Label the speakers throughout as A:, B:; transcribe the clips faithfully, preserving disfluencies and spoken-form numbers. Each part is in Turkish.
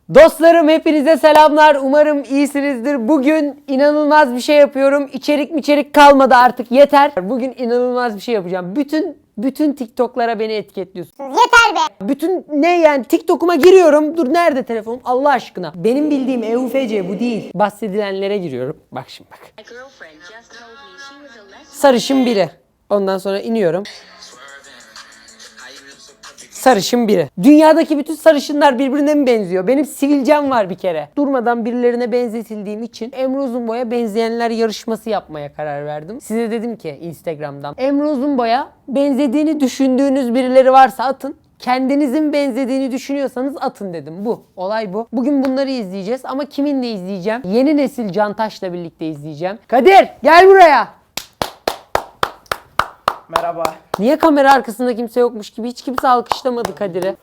A: Dostlarım hepinize selamlar. Umarım iyisinizdir. Bugün inanılmaz bir şey yapıyorum. İçerik mi içerik kalmadı artık yeter. Bugün inanılmaz bir şey yapacağım. Bütün bütün TikTok'lara beni etiketliyorsunuz.
B: Yeter be.
A: Bütün ne yani TikTok'uma giriyorum. Dur nerede telefonum Allah aşkına. Benim bildiğim E U F C bu değil. Bahsedilenlere giriyorum. Bak şimdi bak. Sarışın biri. Ondan sonra iniyorum. Sarışın biri. Dünyadaki bütün sarışınlar birbirine mi benziyor? Benim sivilcem var bir kere. Durmadan birilerine benzetildiğim için Emre Uzunboy'a benzeyenler yarışması yapmaya karar verdim. Size dedim ki Instagram'dan Emre Uzunboy'a benzediğini düşündüğünüz birileri varsa atın. Kendinizin benzediğini düşünüyorsanız atın dedim. Bu. Olay bu. Bugün bunları izleyeceğiz ama kiminle izleyeceğim? Yeni nesil Cantaş'la birlikte izleyeceğim. Kadir gel buraya.
C: Merhaba.
A: Niye kamera arkasında kimse yokmuş gibi hiç kimse alkışlamadı Kadir'i?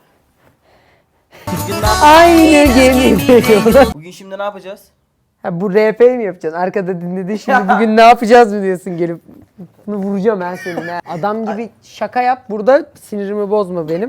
A: Aynı gemide.
C: Bugün şimdi ne yapacağız?
A: Ha, bu R P mi yapacaksın? Arkada dinledin şimdi bugün ne yapacağız mı diyorsun gelip. Bunu vuracağım ben senin ha. Adam gibi şaka yap burada sinirimi bozma benim.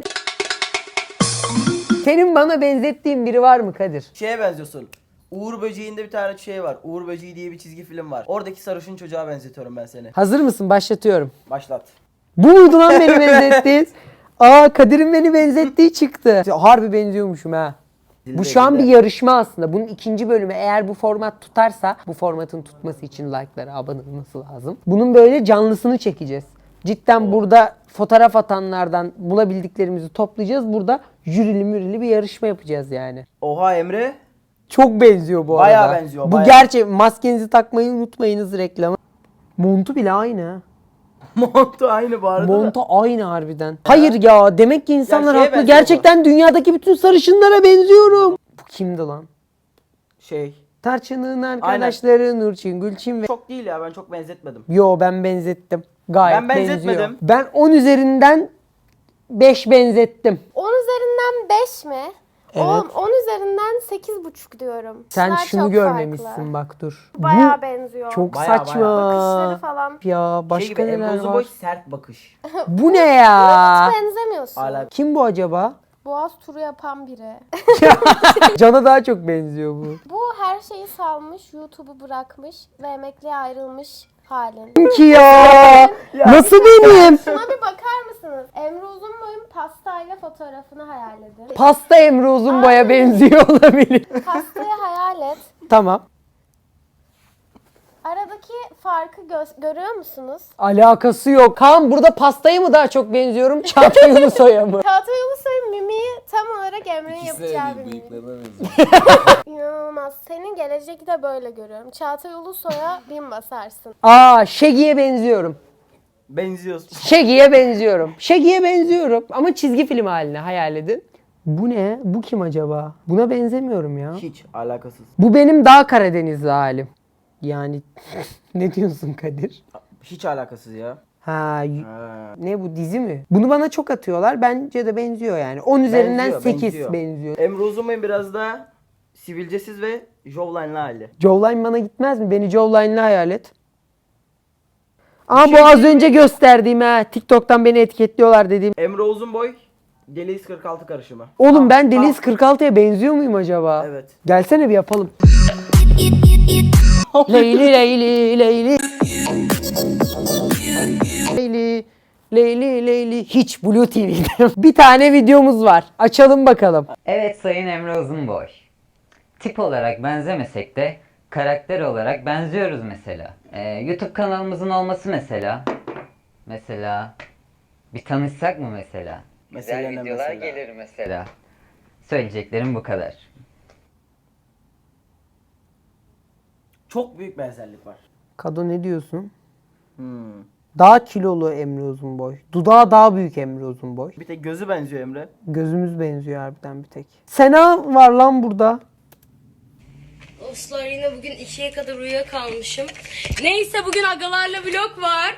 A: Senin bana benzettiğin biri var mı Kadir?
C: Şeye benziyorsun. Uğur Böceği'nde bir tane şey var. Uğur Böceği diye bir çizgi film var. Oradaki sarışın çocuğa benzetiyorum ben seni.
A: Hazır mısın? Başlatıyorum.
C: Başlat.
A: Bu muydu lan beni benzettiğin? Aa Kadir'in beni benzettiği çıktı. Harbi benziyormuşum ha.
C: Dilde,
A: Bu şu an
C: dilde.
A: bir yarışma aslında. Bunun ikinci bölümü eğer bu format tutarsa, bu formatın tutması için like'lara abone olması lazım. Bunun böyle canlısını çekeceğiz. Cidden burada fotoğraf atanlardan bulabildiklerimizi toplayacağız. Burada jürili mürili bir yarışma yapacağız yani.
C: Oha Emre.
A: Çok benziyor bu
C: Bayağı
A: arada.
C: benziyor,
A: Bu
C: bayağı.
A: gerçek. Maskenizi takmayı unutmayınız reklamı. Montu bile aynı.
C: Montu aynı bu arada.
A: Montu aynı harbiden. Hayır ya demek ki insanlar
C: Ya şeye
A: haklı.
C: benziyor
A: Gerçekten dünyadaki bütün sarışınlara benziyorum. Bu kimdi lan?
C: Şey.
A: Tarçın'ın arkadaşları Nurçin, Gülçin ve...
C: Çok değil ya, ben çok benzetmedim.
A: Yo ben benzettim. Gayet
C: Ben benzetmedim.
A: benziyor. Ben on üzerinden beş benzettim.
B: on üzerinden beş mi?
A: Evet.
B: Oğlum on üzerinden sekiz buçuk diyorum.
A: Sen
B: İşler
A: şunu
B: çok
A: görmemişsin
B: farklı.
A: bak dur.
B: Bayağı
A: Bu
B: benziyor.
A: çok
C: Bayağı,
A: saçma.
B: Bakışları falan.
A: Ya
C: Şey
A: başka
C: gibi, Emre
A: neler
C: Uzunboy
A: var?
C: sert bakış.
A: Bu ne ya?
B: Hiç benzemiyorsun.
C: Hala.
A: Kim bu acaba?
B: Boğaz turu yapan biri.
A: Can'a daha çok benziyor bu.
B: Bu her şeyi salmış, YouTube'u bırakmış ve emekliye ayrılmış halin.
A: Kim ki ya? Nasıl benim?
B: Şuna bir bakar mısınız? Emre Uzunboy'un pastayla fotoğrafını hayal edin.
A: Pasta Emre Uzunboy'a benziyor olabilir.
B: Pastayı hayal et.
A: Tamam.
B: Aradaki farkı gö- görüyor musunuz?
A: Alakası yok. Kaan burada pastaya mı daha çok benziyorum? Çağatay Ulusoy'a mı?
B: Çağatay Ulusoy'un mimiği tam olarak Emre'nin yapacağı bir mimik. İnanılmaz. Senin gelecekte de böyle görüyorum. Çağatay Ulusoy'a bin basarsın.
A: Aa Şegi'ye benziyorum.
C: Benziyorsun.
A: Şegi'ye benziyorum. Şegi'ye benziyorum. Ama çizgi film haline hayal edin. Bu ne? Bu kim acaba? Buna benzemiyorum ya.
C: Hiç alakasız.
A: Bu benim daha Karadenizli halim. Yani ne diyorsun Kadir?
C: Hiç alakasız ya.
A: Ha, y-
C: Ha.
A: ne bu dizi mi? Bunu bana çok atıyorlar. Bence de benziyor yani. on üzerinden
C: Benziyor,
A: sekiz
C: benziyor.
A: benziyor.
C: Emre Uzunboy'un biraz daha sivilcesiz ve jawline'lı hali.
A: Jawline bana gitmez mi? Beni jawline'lı hayal et. Aa
C: şey
A: bu az
C: diyeyim
A: önce gösterdiğim ha. TikTok'tan beni etiketliyorlar dediğim.
C: Emre Uzunboy Deliz kırk altı karışımı.
A: Oğlum ben
C: Tam-
A: Deliz
C: tam-
A: kırk altıya benziyor muyum acaba?
C: Evet.
A: Gelsene bir yapalım. Leyli Leyli Leyli Leyli Leyli Leyli hiç Blue T V'de. Bir tane videomuz var. Açalım bakalım.
D: Evet Sayın Emre Uzunboy. Tip olarak benzemesek de karakter olarak benziyoruz mesela. Ee, YouTube kanalımızın olması mesela. Mesela bir tanışsak mı mesela?
C: Mesela
D: Güzel
C: ne
D: videolar
C: mesela?
D: gelir mesela. Söyleyeceklerim bu kadar.
C: Çok büyük benzerlik var.
A: Kado ne diyorsun?
C: Hmm.
A: Daha kilolu Emre Uzunboy. Dudağı daha büyük Emre Uzunboy.
C: Bir tek gözü benziyor Emre.
A: Gözümüz benziyor harbiden bir tek. Sena var lan burada.
E: Dostlar yine bugün ikiye kadar uyuyakalmışım. Neyse bugün agalarla vlog var.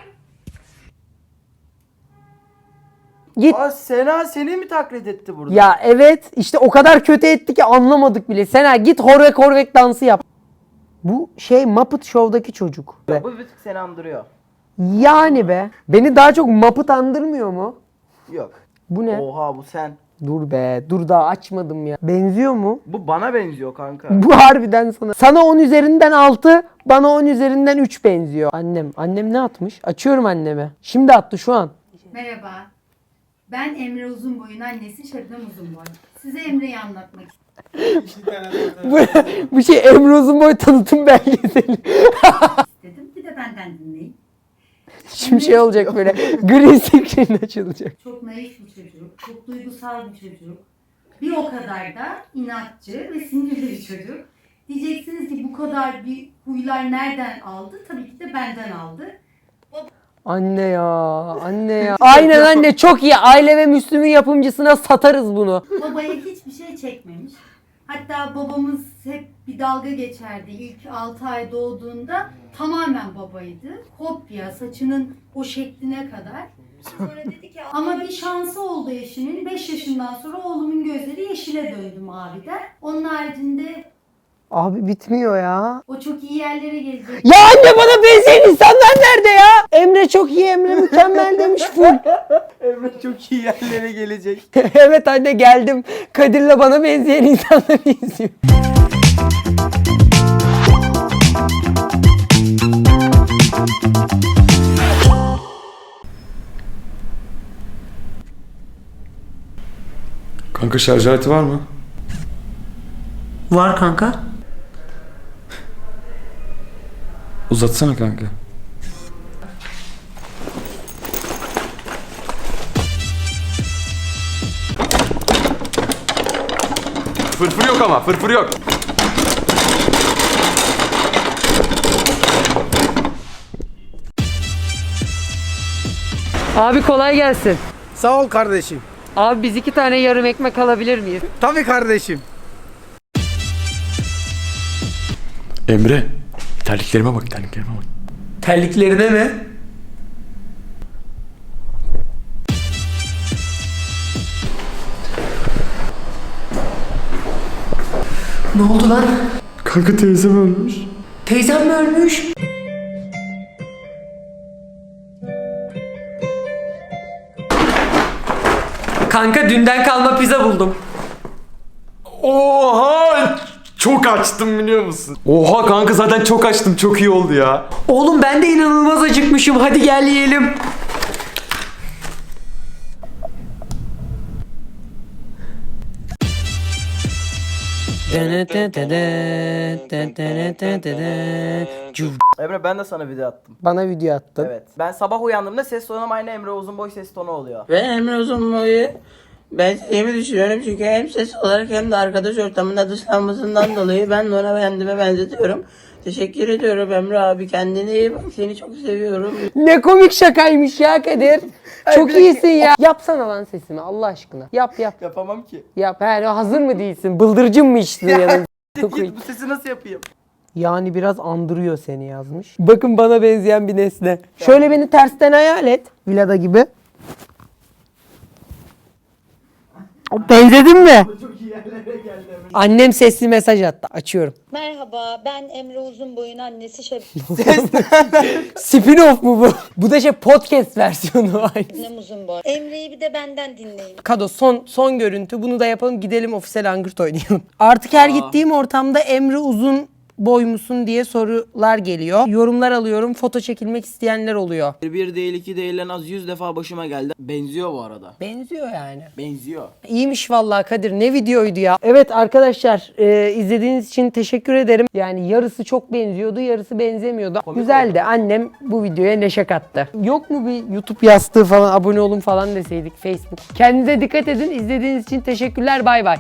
A: Git.
C: Aa Sena seni mi taklit etti burada?
A: Ya evet işte o kadar kötü etti ki anlamadık bile. Sena git horvek horvek dansı yap. Bu şey Muppet Show'daki çocuk. Be.
C: Bu bir tık seni andırıyor.
A: Yani be. Beni daha çok Muppet andırmıyor mu?
C: Yok.
A: Bu ne?
C: Oha bu sen.
A: Dur be, dur daha açmadım ya. Benziyor mu?
C: Bu bana benziyor kanka.
A: Bu harbiden sana. Sana on üzerinden altı, bana on üzerinden üç benziyor. Annem, annem ne atmış? Açıyorum anneme. Şimdi attı şu an.
F: Merhaba. Ben Emre Uzunboy'un annesi Şebnem Uzunboy. Size Emre'yi anlatmak
A: bu, bu şey Emre Uzunboy tanıtım belgeseli.
F: istedim. Bir de benden dinleyin.
A: Şimdi şey olacak böyle. Green screen açılacak.
F: Çok naif bir çocuk, çok duygusal bir çocuk. Bir o kadar da inatçı ve sinirli bir çocuk. Diyeceksiniz ki bu kadar bir huylar nereden aldı? Tabii ki de benden aldı.
A: Anne ya, anne ya. Aynen anne, çok iyi. Aile ve Müslüm'ün yapımcısına satarız bunu.
F: Babaya hiçbir şey çekmemiş. Hatta babamız hep bir dalga geçerdi. İlk altı ay doğduğunda tamamen babaydı. Kopya, saçının o şekline kadar. Sonra dedi ki ama bir şansı oldu eşimin. beş yaşından sonra oğlumun gözleri yeşile döndü maviden. Onun haricinde
A: Abi bitmiyor ya.
F: o çok iyi yerlere gelecek.
A: Ya anne, bana benzeyen insanlar nerede ya? Emre çok iyi, Emre mükemmel demiş full.
C: Emre çok iyi yerlere gelecek.
A: Evet anne, geldim. Kadir'le bana benzeyen insanları izliyor.
G: Kanka şarj aleti var mı?
A: Var kanka.
G: Uzatsana kanka. Fırfır yok ama, fırfır yok.
A: Abi kolay gelsin.
H: Sağ ol kardeşim.
A: Abi biz iki tane yarım ekmek alabilir miyiz?
H: Tabii kardeşim.
G: Emre, terliklerime bak, terliklerime bak.
A: Terliklerine mi? Ne oldu lan?
G: Kanka teyzem ölmüş.
A: Teyzem mi ölmüş? Kanka dünden kalma pizza buldum.
G: Oha! Çok açtım biliyor musun? Oha kanka, zaten çok açtım, çok iyi oldu ya.
A: Oğlum ben de inanılmaz acıkmışım. Hadi gel yiyelim.
C: Emre ben de sana video attım.
A: Bana video attın.
C: Evet. Ben sabah uyandığımda ses tonum aynı Emre Uzunboy ses tonu oluyor.
I: Ve Emre Uzunboy'u ben sevdiğimi düşünüyorum çünkü hem ses olarak hem de arkadaş ortamında dışlanmasından dolayı ben de ona kendime benzetiyorum. Teşekkür ediyorum Emre abi, kendine iyi bak, seni çok seviyorum.
A: Ne komik şakaymış ya Kadir. Çok iyisin ya. Yapsana lan sesimi Allah aşkına. Yap yap.
C: Yapamam ki.
A: Yap. He, hazır mı değilsin? Bıldırcın mı içtin yanında? Çok iyi.
C: Git bu sesi nasıl yapayım?
A: Yani biraz andırıyor seni yazmış. Bakın bana benzeyen bir nesne. Şöyle beni tersten hayal et. Villada gibi. Benzedin mi? Annem sesli mesaj attı. Açıyorum.
J: Merhaba, ben Emre Uzunboy'un annesi
A: Spin-off mu bu? Bu da şey podcast versiyonu.
J: Şebnem Uzunboy. Emre'yi bir de benden dinleyin.
A: Kado son son görüntü. Bunu da yapalım. Gidelim ofisel angırt oynayalım. Artık her gittiğim ortamda Emre Uzun boy musun diye sorular geliyor. Yorumlar alıyorum. Foto çekilmek isteyenler oluyor.
C: Bir değil iki değil en az yüz defa başıma geldi. Benziyor bu arada.
A: Benziyor yani.
C: Benziyor.
A: İyiymiş vallahi Kadir. Ne videoydu ya. Evet arkadaşlar, e, izlediğiniz için teşekkür ederim. Yani yarısı çok benziyordu, yarısı benzemiyordu. Güzeldi. Annem bu videoya neşe kattı. Yok mu bir YouTube yastığı falan, abone olun falan deseydik, Facebook. Kendinize dikkat edin. İzlediğiniz için teşekkürler. Bay bay.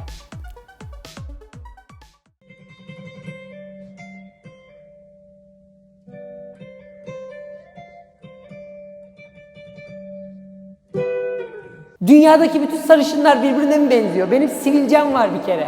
A: Dünyadaki bütün sarışınlar birbirine mi benziyor? Benim sivilcem var bir kere.